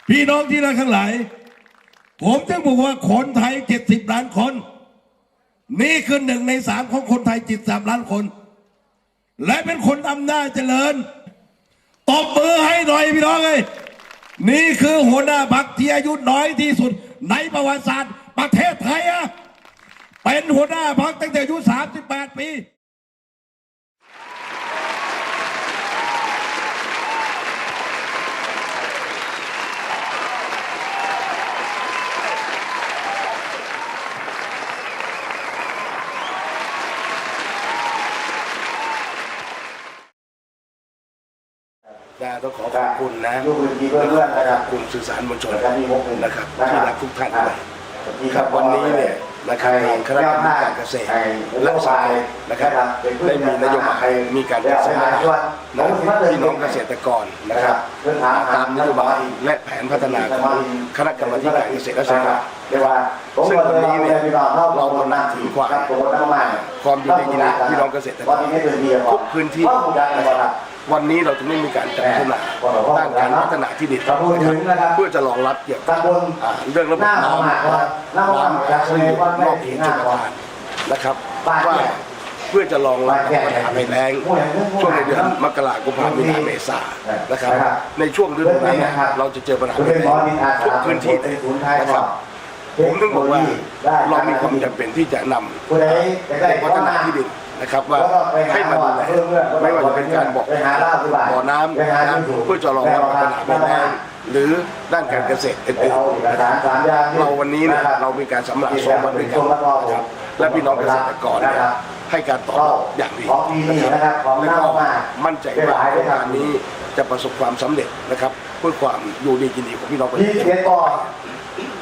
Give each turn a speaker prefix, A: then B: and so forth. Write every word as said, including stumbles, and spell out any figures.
A: พี่น้องที่รักทั้งหลายผมจะบอกว่าคนไทยเจ็ดสิบล้านคนนี่คือหนึ่งในสามของคนไทยเจ็ดสิบสามล้านคนและเป็นคนอำนาจเจริญตบมือให้หน่อยพี่น้องเลยนี่คือหัวหน้าพรรคที่อายุน้อยที่สุดในประวัติศาสตร์ประเทศไทยอะเป็นหัวหน้าพรรคตั้งแต่อายุสามสิบแปดปีต้องขอขอบคุณนะขอบคุณสื่อสารมวลชนนะครับที่รักทุกท่านเลยครับวันนี้เนี่ยนะครับทางคณะกรรมการเกษตรและสหกรณ์นะครับได้มีนโยบายมีการจัดสรรพี่น้องเกษตรกรนะครับตามนโยบายและแผนพัฒนาของคณะกรรมการเกษตรและสหกรณ์ซึ่งวันนี้เนี่ยเราตระหนักถึงความความอยู่ในกินพี่น้องเกษตรกรทุกพื้นที่นะครับวันนี้เราจะไม่มีการจัดพัฒนาด้านการพัฒนาที่ดินเพื่อจะรองรับเกี่ยวกับเรื่องระบบน้ำน้ำซึ่งนอกเขตชลประทานนะครับว่าเพื่อจะรองรับปัญหาภัยแล้งช่วงในเดือนมกราคมกุมภาพันธ์มีนาเมษานะครับในช่วงฤดูนั้นเราจะเจอปัญหาภัยแล้งทุกพื้นที่นะครับผมต้องบอกว่าเรามีความจำเป็นที่จะนำพัฒนาที่ดินนะครับว่าให้มาดูแลไม่ว่าจะเป็นการบอกบ่อน้ำนะเพื่อจะรองรับปัญหาภัยแล้งหรือด้านการเกษตรอื่นๆนะครับเราวันนี้เนี่ยเรามีการสำรวจสองวันด้วยกันนะครับและพี่น้องเกษตรกรเนี่ยให้การตอบรับอย่างดีนะครับและก็มั่นใจว่าโครงการนี้จะประสบความสำเร็จนะครับเพื่อความอยู่ดีกินดีของพี่น้องประชาชน